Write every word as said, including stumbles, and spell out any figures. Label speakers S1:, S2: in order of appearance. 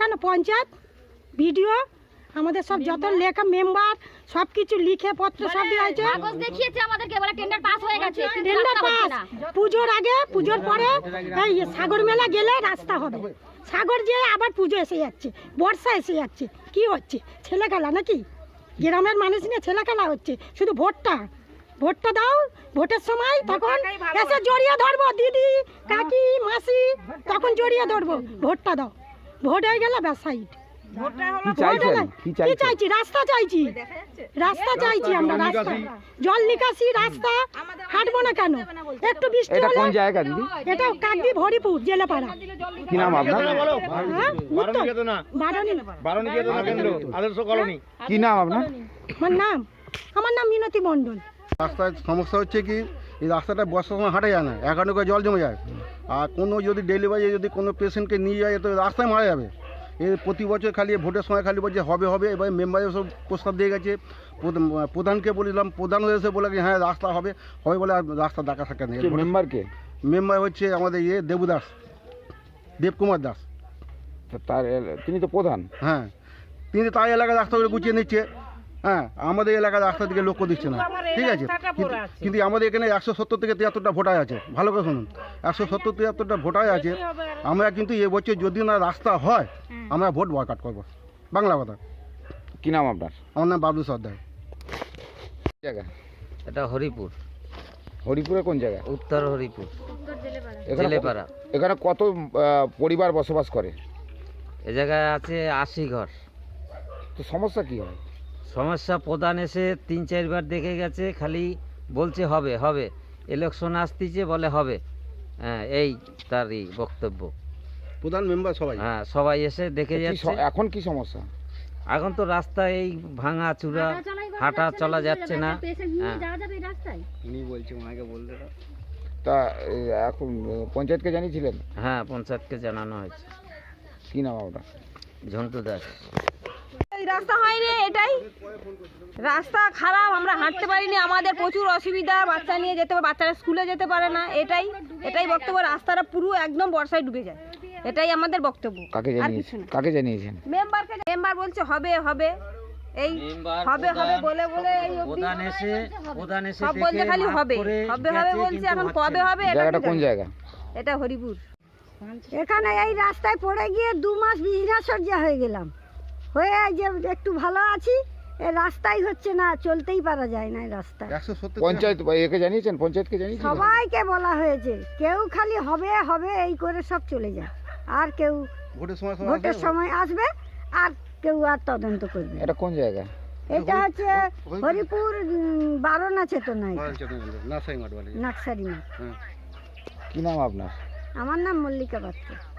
S1: প্রধান পঞ্চায়েত ভিডিও আমাদের সব যত লেখা মেম্বার সব কিছু লিখে পত্র সব দিয়েছে,
S2: কাগজ দেখিয়েছে আমাদেরকে, বলে টেন্ডার পাস হয়ে গেছে।
S1: টেন্ডার পাস পুজোর আগে পুজোর পরে এই সাগর মেলা গেলে রাস্তা হবে। সাগর যে আবার পুজো এসে যাচ্ছে, বর্ষা এসে যাচ্ছে, কি হচ্ছে? ছেলে খেলা নাকি? গ্রামের মানুষ নিয়ে ছেলে খেলা হচ্ছে। শুধু ভোটটা ভোটটা দাও, ভোটের সময় তখন এসে জড়িয়ে ধরবো, দিদি কাকি মাসি তখন জড়িয়ে ধরবো। ভোটটা দাও, ভোট হয়ে গেলে ব্যাস সাইড। কি চাইছি? রাস্তা চাইছি, রাস্তা চাইছি আমরা, রাস্তা, জল নিকাশি রাস্তা। হাঁটবো না কেন? একটু বৃষ্টি
S3: এটা
S1: হলে।
S3: কোন জায়গা দিদি?
S1: এটা কাকদ্বীপ হরিপুর জেলেপাড়া।
S3: কি নাম আপনার?
S1: হ্যাঁ, উত্তর বারণী।
S4: বারণী চেতনা কেন্দ্র আদর্শ কলোনি।
S3: কি নাম আপনার?
S1: আমার নাম আমার নাম মিনতি মণ্ডল।
S5: রাস্তায় সমস্যা হচ্ছে কি, এই রাস্তাটা বর্ষার সময় হাঁটা যায় না, একান্ন করে জল জমে যায়। আর কোনো যদি ডেলিভারি যদি কোনো পেশেন্টকে নিয়ে যায় তো রাস্তায় মারা যাবে। এই প্রতি বছর খালি ভোটের সময় খালি বলছে হবে হবে। এবার মেম্বারে সব প্রস্তাব দিয়ে গেছে, প্রধানকে বলিলাম, প্রধান এসে বলে কি হ্যাঁ রাস্তা হবে হবে বলে আর রাস্তা দেখা থাকে নেই।
S3: মেম্বারকে?
S5: মেম্বার হচ্ছে আমাদের ইয়ে দেবুদাস, দেবকুমার দাস।
S3: তার তিনি তো প্রধান।
S5: হ্যাঁ, তিনি তার এলাকার রাস্তাগুলো গুছিয়ে নিচ্ছে। হ্যাঁ, আমাদের এলাকার রাস্তার দিকে লক্ষ্য দিচ্ছে না, ঠিক আছে। কিন্তু আমাদের এখানে একশো সত্তর থেকে তিয়াত্তরটা ভোটার আছে, ভালো করে শুনুন, একশো সত্তর তিয়াত্তরটা ভোটার আছে। আমরা কিন্তু এবছর যদি না রাস্তা হয় আমরা ভোট বয়কট করবো, বাংলা কথা।
S3: কি নাম আপনার?
S5: আমার নাম বাবলু সর্দার।
S3: জায়গা
S6: এটা হরিপুর।
S3: হরিপুরে কোন জায়গা?
S6: উত্তর হরিপুর
S3: এখানে
S6: জেলেপাড়া।
S3: এখানে কত আহ, পরিবার বসবাস করে?
S6: এ জায়গায় আছে আশি ঘর।
S3: তো সমস্যা কি হয়?
S6: সমস্যা প্রধান এসে তিন চারবার দেখে গেছে, খালি বলছে হবে হবে, ইলেকশন আসতেছে বলে হবে। হ্যাঁ, এই তারই বক্তব্য।
S5: প্রধান মেম্বার সবাই।
S6: হ্যাঁ, সবাই এসে দেখে
S3: কি
S6: যাচ্ছে।
S3: স- এখন কি সমস্যা?
S6: এখন তো রাস্তা এই ভাঙা চূড়া, হাঁটা চলা যাচ্ছে না। হ্যাঁ,
S4: উনি বলছে ওনাকে বলতে দাও।
S3: তা এ, এখন আহ, পঞ্চায়েতকে জানিয়েছিলেন?
S6: হ্যাঁ, পঞ্চায়েতকে জানানো হয়েছে।
S3: কি নাম আপনার?
S6: ঝন্টু দাস।
S7: এই রাস্তা হয়নি, এটাই রাস্তা খারাপ, আমরা হাঁটতে পারিনি, আমাদের প্রচুর অসুবিধা, বাচ্চা নিয়ে যেতে পারে, বাচ্চারা স্কুলে যেতে পারে না। এটাই এটাই বক্তব্য, রাস্তাটা পুরো একদম বর্ষায় ডুবে যায়, এটাই আমাদের বক্তব্য।
S3: কাকে
S7: আর কিছু
S3: জানিয়েছেন?
S7: না।
S3: কাকে জানিয়েছেন?
S7: মেম্বারকে, মেম্বার বলছে হবে হবে, এই হবে হবে বলে বলে এই অবধি
S6: প্রধান এসে প্রধান এসে
S7: সব বলছে খালি
S6: মাপ
S7: হবে
S6: করে
S7: হবে হবে
S6: গেছে,
S7: বলছে,
S6: কিন্তু
S7: এখন
S6: হচ্ছে
S7: কবে
S6: না।
S7: হবে এটা
S3: জায়গাটা
S7: কি
S3: কোন
S7: জানি।
S3: জায়গা?
S7: এটা হরিপুর।
S1: এখানে এই রাস্তায় পড়ে গিয়ে দু মাস বিছনা সজ্জা হয়ে গেলাম, হয়ে যে একটু ভালো আছি। এই রাস্তাই হচ্ছে না, চলতেই পারা যায় না এই রাস্তায়।
S5: একশো সত্তর
S3: পঞ্চায়েত বা একে জানিয়েছেন? পঞ্চায়েতকে জানিয়েছেন?
S1: সবাইকে বলা হয়েছে, কেউ খালি হবে হবে এই করে সব চলে যায়। আর কেউ
S5: ভোটের সময় সবাই
S1: ভোটের
S5: আসবে।
S1: সময় আসবে আর কেউ আর তদন্ত করবে না।
S3: এটা কোন জায়গা?
S1: এটা হচ্ছে হরিপুর উম, বারণা চেতনা,
S5: বারণী চেতনা কেন্দ্র, নার্সারি মাঠ বলে।
S1: নাকসারি মাঠ।
S5: হ্যাঁ।
S3: কি নাম আপনার?
S1: আমার নাম মল্লিকা পাত্র।